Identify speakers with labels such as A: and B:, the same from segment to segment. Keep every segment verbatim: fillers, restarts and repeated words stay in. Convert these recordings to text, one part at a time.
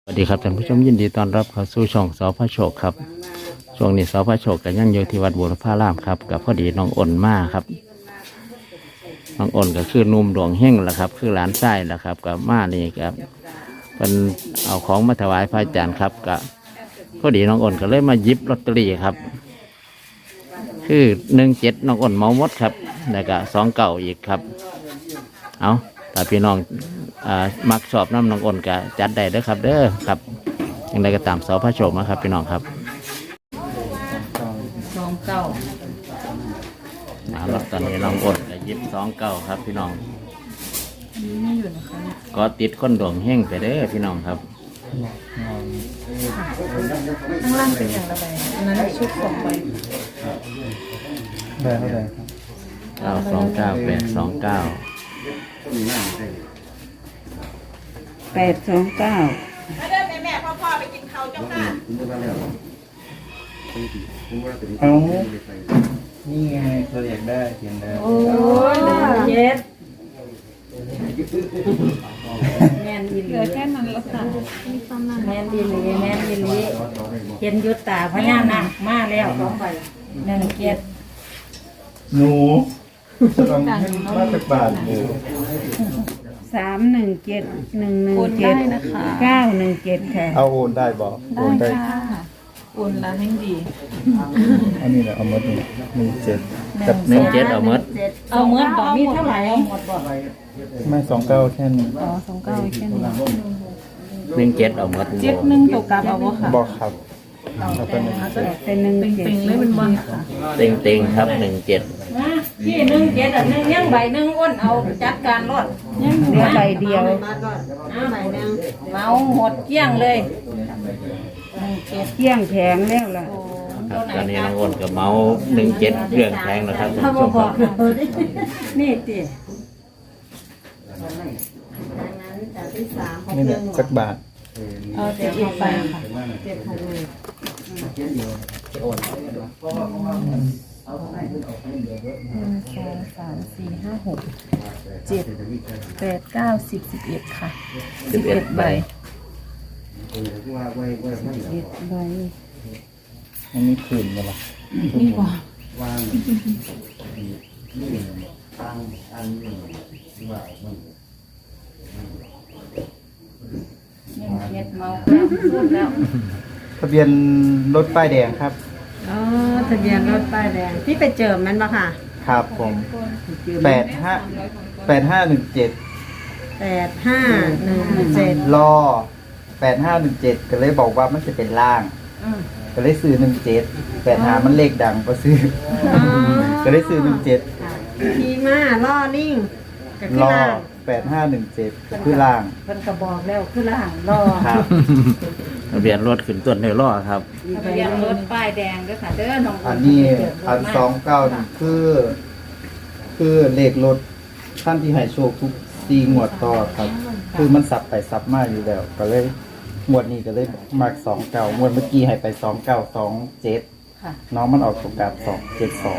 A: สวัสดีครับท่านผู้ชมยินดีต้อนรับเข้าสู่ช่องสพโชคครับช่วงนี้สพโชคกันยังอยู่ที่วัดบุรพารามครับกับพอดีน้องอ่นมาครับน้องอ่นก็คือนุ่มดวงเฮงแหละครับคือหลานชายแหละครับกับมานี่ครับเป็นเอาของมาถวายพระอาจารย์ครับกับพอดีน้องอ่นก็เลยมาหยิบลอตเตอรี่ครับคือหนึ่งเจ็ดน้องอ่นเมาหมดครับแล้วก็สองเก่าอีกครับเอาแต่พี่น้องมักชอบน้ำน้องอ่นก็จัดได้เด้อครับเด้อครับยังไงก็ตามสพโชคนะครับพี่น้องครับ
B: สองเก้า
A: แล้วตอนนี้น้องอ่นก็ยิบสองเก้าครับพี่น้อง
B: อันนี้ไม่อยู่นะคะ
A: ก็ติดคนดวงเฮงไปเด้อพี่น้องครับ
B: ข้างล่างเป็นอย่างละใบอันนั้นชุดสองใบ
C: ใบเท่าไหร่ครับ
A: เก้าสองเก้าแปดสองเก้า
B: แปดสองเก้า
D: มาเดินแม่แม่พ่อพ่อไปกินข้าวเจ้าค่ะ
C: เอานี่ไงเราอยากได้เขียนได้
B: โอ้ยเย็ดแมนดีเหลือแค่นั้นแล้วค่ะแมนดีเลยแมนดีเลยเห็นยุตตาพญานาคมาแล้วสองใบหนึ่งเจ็ด
C: หนูจะต้องให้มาจากบาทหนู
B: สามหนึ่งเจ็ดหนึ่งหนึ่งเจ็ดเก้าหนึ่งเจ็ดค่ะ
C: เอาโอนได้บอกโอนได้
B: โอนละให้ดี
C: อันนี้แหละเอาหมดนี่หนึ่งเจ็ด
A: กับหนึ่งเจ็ดเอาหมด
B: เอาหมดบอกมีเท่าไหร่เอาหมดบอก
C: ไม่สองเก้าแค่นี้
B: อ๋อสองเก้าแค่นี้
A: หนึ่งเจ็ดเอาหมด
B: เจ็ดหนึ่งตกกลับเอาบ่ค่ะ
C: บอกครับเอาไปหนึ่งเจ็ด
B: เป็นหนึ่งเจ็ดเลยเป็นบอลค่ะ
A: เต็งเต็งครับหนึ่งเจ็ด
B: พี่หนึ่งเจ็ดอ่ะหนึ่งยังใบหนึ่งอ้นเอาจัดการรถยังเหลือใบเดียวใบหนึ่งเมาหมดเกลี้ยงเลยเกลี้ยงแผงแล้วล่ะ
A: ตอนนี้น้องอ่นกับเมาหนึ่งเจ็ดเครื่องแพงนะครับท่านผู้ชมครับ
B: นี่ติ
C: นี่แหละสักบาท
B: เอาเจ็ดไปค่ะเจ็ดพันเลยหนึ่งสองสามสี่ห้าหกเจ็ดแปดเก้าสิบสิบเอ็ดค่ะสิบเอ็ดใบสิบเอ็ดใบ
C: อันนี้คืนมาละ
B: นี่กว่าเจ็ดเมาแล้วพูดแล้ว
C: ทะเบียนรถป้ายแดงครับ
B: อ๋อทะเบียนรถป้ายแดงที่ไปเจอมันปะค่ะ
C: ครับผมแปดห้าแปดห้าหนึ่งเจ็ด
B: แปดห้าหนึ่งเจ็ด
C: รอแปดห้าหนึ่งเจ็ดก็เลยบอกว่ามันจะเป็นล่างก็เลยซื้อหนึ่งเจ็ดแปดห้ามันเลขดังก็ซื้อก็เลยซื้อหนึ่งเจ็ด
B: ทีมาล่อนิ่ง
C: รอแปดห้าหนึ่งเจ็ดคือล่าง
B: เป็นกระบอกแล้วคือล่างรอ
C: ครับ
A: ทะเบียนรถขึ้นต้นในล้อครับ
B: ทะเบียนรถป้ายแดงด้วยค่ะเด้อน้อง
C: อันนี้พันสองเก้าคือ คือเลขรถท่านที่ให้โชคทุกซีงวดต่อครับคือมันสับไปสับมาอยู่แล้วก็เลยงวดนี้ก็เลยมากสองเก้างวดเมื่อกี้ให้ไปสองเก้าสองเจ็ดน้องมันออกตรงกับสองเจ็ดสอง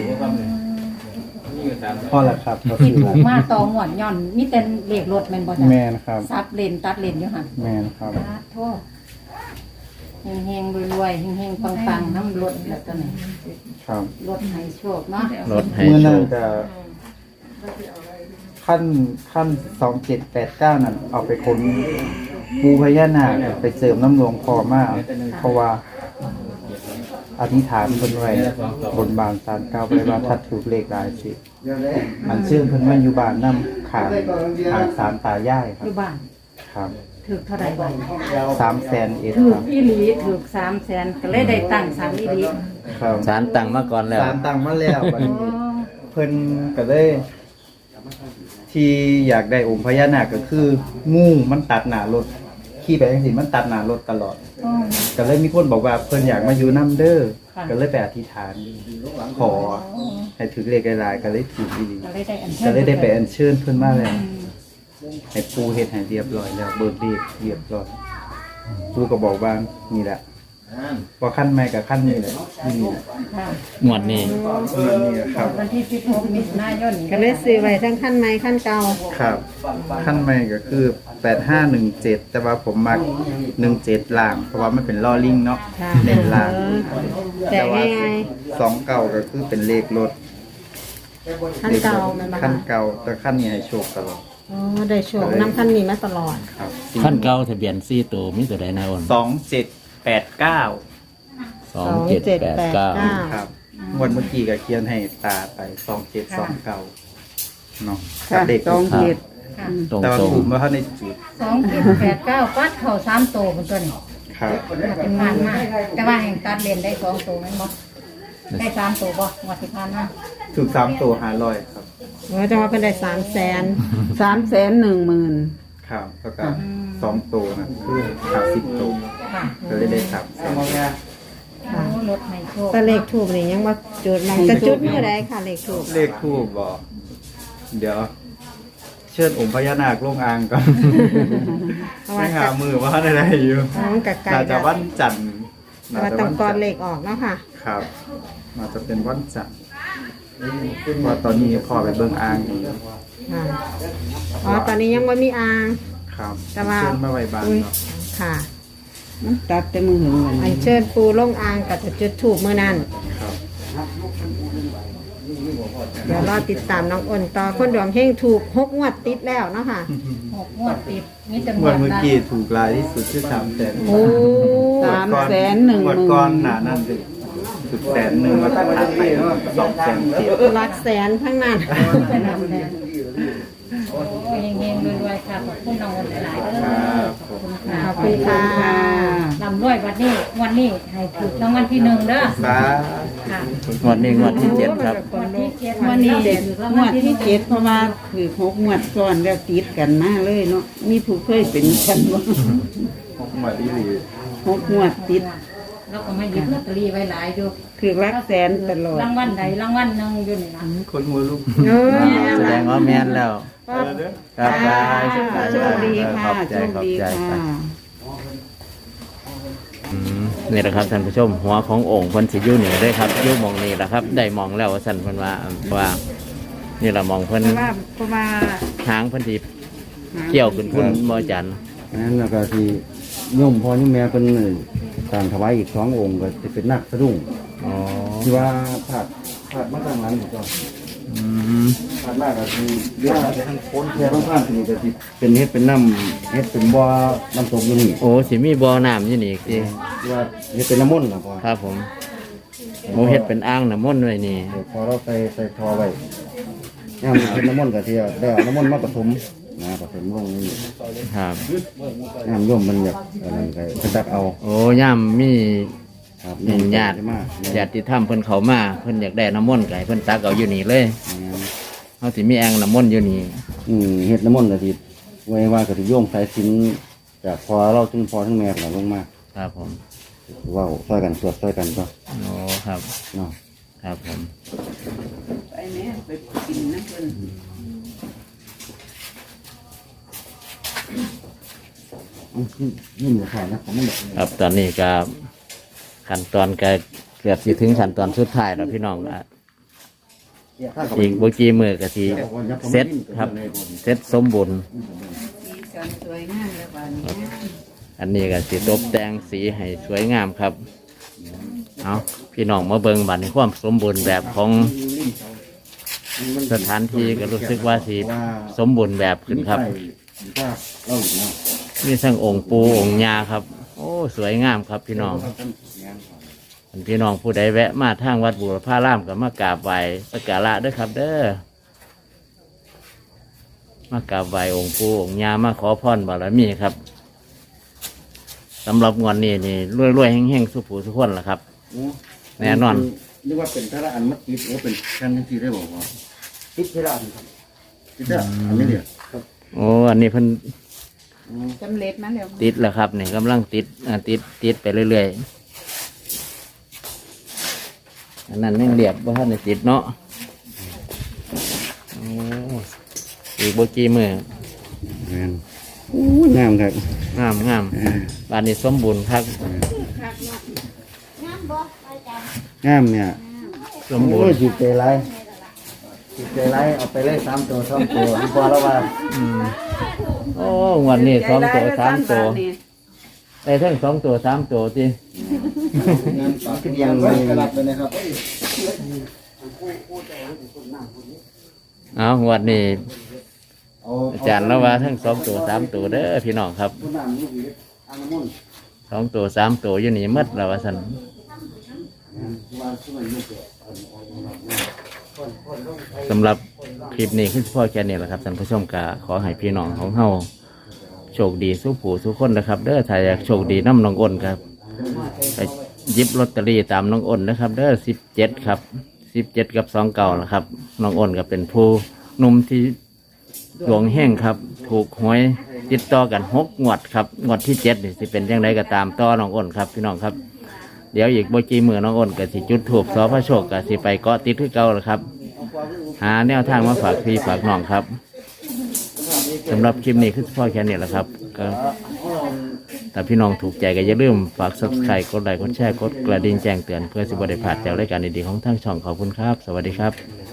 C: พอแล้วครับ
B: ที่ถูกมาต่อหวดย่อนนี่เป็นเลขรถแมนบอล
C: แมนครับ
B: ซับเลนตัดเลนอยู่ค่ะ
C: แมนครับ
B: โทษเฮงๆรวยๆเฮงๆปังๆน้ำรถแล้วตัวนี้
C: ครับ
B: รถให้โชคเนาะ
A: รถให้
C: โชคขั้นขั้นสองเจ็ดแปดเก้านั่นเอาไปค้นปูพญานาคไปเสริมน้ำหลวงพอมากเพราะว่าอธิษฐานเพิ่นไว้บนบานศาลเก่าไปว่าถ้าถูกเลขหลายสิมันชื่อเพิ่นว่าอยู่บ้านนำขางขางศาลตายายครับ
B: อยู่บ้าน
C: ครับ
B: ถูกเท่าไหร่บ้าง
C: สามแสนเอ็ด
B: ถูกอีหลีถูกสามแสนก็เลยได้ตั้งศาลอีหลี
C: ครับ
A: ศาลตั้งมาก่อนแล้ว
C: ศาลตั้งมาแล้วบัดนี้เพิ่นก็เลยที่อยากได้องค์พญานาคก็คืองูมันตัดหน้ารถขี่ไปจังซี่มันตัดหน้ารถตลอดก็เลยมีคนบอกว่าเพิ่นอยากมาอยู่นำเด้อก็เลยไปอธิษฐานขอให้ถึงเลขหลายๆก็เลยถูกดีก็เลยได้ไปอัญเชิญเพิ่นมาแล้วให้ปูเฮ็ดให้เรียบร้อยแล้วเบิกเลขเรียบร้อยปูก็บอกว่านี่แหละพอขั้นใหม่กับขั้นนี้เลยที่นี่
B: ค่ะ
A: หมวดนี้
C: นี่ครับ
B: วันที่สิบหกมิถุนายน
E: ก็เลยซื้อไว้ทั้งขั้นใหม่ขั้นเก่า
C: ครับขั้นใหม่ก็คือแปดห้าหนึ่งเจ็ดแต่ว่าผมมักหนึ่งเจ็ดล่าง เพราะว่ามันเป็นล่อลิงเนาะ
E: ค่ะ
C: เน้นล่าง
E: แต่ง่าย
C: สองเก่าก็คือเป็นเลขรถ
E: ๆขั้นเก่าแมันบ่
C: ขั้น
E: คะ
C: เก่าแต่ขั้นนี้ให้โชคตลอด
E: อ๋อได้โชคน้ำขั้นนี้มาตลอด
C: ครับ
A: ขั้นเก่าทะเบียนสี่ตัวมีตัวใดนายอ้น
C: สองเจ็ดแปดเก้า
A: สองเจ็ดแปดเก้า
C: ครับงวันเมื่อกี้ก็เขียนให้ตาไปสองเจ็ดสองเก่าเนาะ
B: ค่ะ
C: เด็ก
B: สองเจ็ด
A: ตรง
C: แต่ว่า
A: ตรง
C: กลุ่มว่าเขาในจุด
B: สองเจ็ดแปดเก้าปัดเข่าสามโตเป็นตัวนี้
C: ครับ
B: เป็นผ่านมาแต่ว่าแห่งตัดเลนได้สองโตแม่นบ่ได้สามโตบ่งวดที่ผ่านมา
C: ถูกสามตัวหาร้อยครับ
E: ว่าจะว่าเป็นได้สามแสน
B: สามแสนหนึ่งหมื่น
C: ครับแล้วก็สองตัวนะคือหาสิบตัว
B: ค่ะ
C: ก็เลยได้สามแสน
B: โอ้รถให้โชค
E: แต่เลขถูกนี่ยังว่าจุดมันจะจุดเมื่อใดค่ะเลขถูก
C: เลขคู่บอก เดี๋ยว เชิญองค์พญานาคลงอ่างก่อน
E: เพราะ
C: ไม่
E: ว่า
C: หามือว่าอะไรอยู่
E: น้องกับไก่
C: น่าจะวันจันทร์
E: แต่ว่าต้องกอนเลขออกเนาะค่ะ
C: ครับน่าจะเป็นวันจันทร์เพราะตอนนี้พอไปเบิ่งอ่างอยู่
E: ค่ะอ๋อตอนนี้ยังไม่มีอ่าง
C: ครับ
E: แต่ว่า
C: เชิญมาไว้บ้านเนาะ
E: ค่ะ
B: ตัดแต่มือหึง
E: อันเชิญปูลงอ่างกับจะจุดถูกเมื่อนั้น
C: ครับ
E: เดี๋ยวรอติดตามน้องอ้นต่อคนดวงเฮงถูกหกงวดติดแล้วเนาะค่ะ
B: หกงวดติดมีแต่ง
C: ง
B: ว
C: ว
B: ด
C: ดเมื่อ
B: ละ
C: กี้ถูกรายที่สุดคือสามแสน
E: โอ้
B: สามแสนหนึ่งห
C: งว
B: มื่
C: ด
B: น
C: ก้อนหนานั่นเลยสุดแสนหนึ่งแล้วก็ถัดไปสองแสนเจ็ด
E: หลักแสนทั้งนั้น
B: โอ้ยเฮงๆรวยๆค่ะขอบคุณน้องอ้นหลายๆเด้อ
C: ครับผม
E: ขอบคุณค่ะ
B: ลำรวยวันนี้วันนี้ให้ถูกรางวัลที่หนึ่งเด้อ
C: สา
B: ค่ะ
A: งวดนี้งวดที่เจ็ดครับ
B: งวดที่เจ็ด
F: วันนี้เด็ก
B: ราง
F: ง
B: วั
F: ว
B: ล
F: ด
B: ที่
F: ที่
B: เจ็
F: เจ็
B: ด
F: ดเพราะว่าคือหกงวดซ้อนแล้วติดกันมาเลยเนาะมีผู้เคยเป็นกันบ่
C: หกหมวดที่หลี
F: หกงวดติด
B: แล้วก็มาหยิบลอตเตอรี่ไว้หลายอยู่
F: คือรักแสนตลอด
B: รางวัลใดรางวัลหนึ่งอยู่นี่นะ
C: คนหัวลูก
E: เออ
A: แสดงว่าแม่นแล้ว
C: อะไรเด้อ
A: ครับได้
F: โชคดีค่ะ
A: ขอบใจ
F: โชค
A: ขอบ
F: ดี
A: ใจ
F: ค่ะ
A: อืมนี่แหละครับท่านผู้ชม หัวขององค์เพิ่นสิอยู่นี่เลยครับอยู่หมองนี่แหละครับ ได้มองแล้วว่าสั่นเพิ่นว่าว่า นี่ละมองเพิ่น
F: เพราะว่าเพราะว่า
A: หางเพิ่นสิเกี่ยวขึ้นพุ่นบ่อาจัน
G: นั้นแล้วก็ที่โยมพ่อโยมแม่เป็นต่างถวายอีกสององค์ก็จะเป็นนักสะดุ้ง
A: อ๋อ
G: ที่ว่าผาดผาดมาทางนั้นก็
A: อืม
G: ผาดมากก็คือเรื่องทางโค้นแค่ต้องผ่านที่นี่ก็สิเป็นเฮ็ดเป็นน้ำเฮ็ดเป็นบ่อน้ำตกอยู่นี่
A: โอ้สิมีบ่อน้ำอยู่นี่สิ
G: ที่ว่าเฮ็ดเป็นน้ำมนต์นะพ่อ
A: ครับผมโมเฮ็ดเป็นอ่างน้ำมนต์ไว้นี่
G: เดี๋ยวพอเราใส่ใส่ทอไว้ย่ามเป็นน้ำมนต์ก็ที่ได้เอาน้ำมนต์มาผสมนะผสมลงนี่
A: ครับ
G: ย่ามโยมมันอยากอันนั้นก็จะตักเอา
A: โอ้ย่ามมี
G: ครับ
A: หนึ่งญาติ
G: มาก
A: ญาติธรรมเพิ่นเข้ามาเพิ่นอยากได้น้ำมนต์ไก่เพิ่นตักเอาอยู่นี่เลยเฮาสิมีแอ่งน้ำมนต์อยู่นี่
G: อืมเฮ็ดน้ำมนต์ก็สิไว้ว่าก็สิโยงสายสิญจนจากพอเราถึงพอถึงแม่ก็ลงมา
A: ครับผม
G: เว้าช่วยกันสวดช่วยกันก็
A: โอ้ครับ
G: เนาะ
A: ครับผม
F: ไปแม่ไปกินน้ำเพิ่น
G: อืมนี่หมูขาดนะผมไม่บอก
A: ครับตอนนี้ก็ขั้นตอนก็เกือบสิถึงขั้นตอนสุดท้ายแล้วพี่น้องอ่ะอีกบ่กี่มื้อก็สิเสร็จครับเสร็จสมบูรณ์
F: สีสันสวยงามแล้วบานนี้
A: อันนี้ก็สิตกแต่งสีให้สวยงามครับ เอาพี่น้องมาเบิ่งบัดนี้ความสมบูรณ์แบบของสถานที่ก็รู้สึกว่าสิสมบูรณ์แบบขึ้นครับ
G: ว่าเราอยู่เนาะ
A: มีทั้งองค์ปูองค์ยาครับ โอ้สวยงามครับพี่น้องอันพี่น้องผู้ใดแวะมาทางวัดบุรพารามก็มากราบไหว้สักการะเด้วยครับ เด้อมากราบไหว้องค์ปูองค์ยามาขอพรบารมีครับสำหรับงวดนี้นี่รวยๆแห้งๆสุขูสุขคนล่ะครับ แน่นอน
G: นึกว่าเป็นทาระอันมัดติดว่าเป็นชั้นที่ได้บอกว่าติดทาระอันครับติดทาระอันนี้เนี่ยครับ
A: โอ้อันนี้เพิ่น
F: สำเร็จมาแล้ว
A: ติดแล้วครับนี่กำลังติดอ่าติดติดไปเรื่อยๆอันนั้นยังเรียบว่าท่านได้ติดเนาะโอ้อีกบ่กี่มือ
G: แม่นอู้งามครับ
A: งามงามบ้านนี้สมบูรณ์ครับ
G: องามเนี่ย
A: สมบู
G: โอ้
A: ร
G: ย
A: ณ์
G: จิตใจไรจิตใจไรเอาไปเลยสามตัวสองตัวพอแล้วว่า
A: อืมโอ้งวันนี้สองตัวสามตัวได้ทั้งสองตัวสามตัวจี
G: งานปากที่ยังมีกระดับเลยนะครับ
A: เอางวันนี้อาจารย์แล้วว่าทั้งสองตัวสามตัวเด้อพี่น้องครับสองตัวสามตัวอยู่นี่หมดแล้วว่าสันสำหรับคลิปนี้คือพ่อแค่นี้แหละครับท่านผู้ชมกะขอให้พี่น้องของเฮาโชคดีสู้ผู้สู้คนนะครับเด้อถ้าอยากโชคดีน้ำน้องอ้นครับไปหยิบลอตเตอรี่ตามน้องอ้นนะครับเด้อสิบเจ็ดครับสิบเจ็ดกับสองเก่านะครับน้องอ้นก็เป็นผู้หนุ่มที่ดวงแห้งครับถูกหวยติดต่อกันหกงวดครับงวดที่เจ็ดนี่สิเป็นยังไงก็ตามต่อน้องอ้นครับพี่น้องครับเดี๋ยวอีกบ่กี่มือน้องอ้นก็สิจุดถูกสอพระโชคก็สิไปเกาะติดที่เก่าแล้วครับหาแนวทางมาฝากพี่ฝากน้องครับสำหรับคลิปนี้คือพ่อแค่นี้แหละครับก็ถ้าพี่น้องถูกใจก็อย่าลืมฝาก ซับสไครบ์ กดไลค์กดแชร์กดกระดิ่งแจ้งเตือนเพื่อสิบได้พลาดจากรายการดีๆของทางช่องขอบคุณครับสวัสดีครับ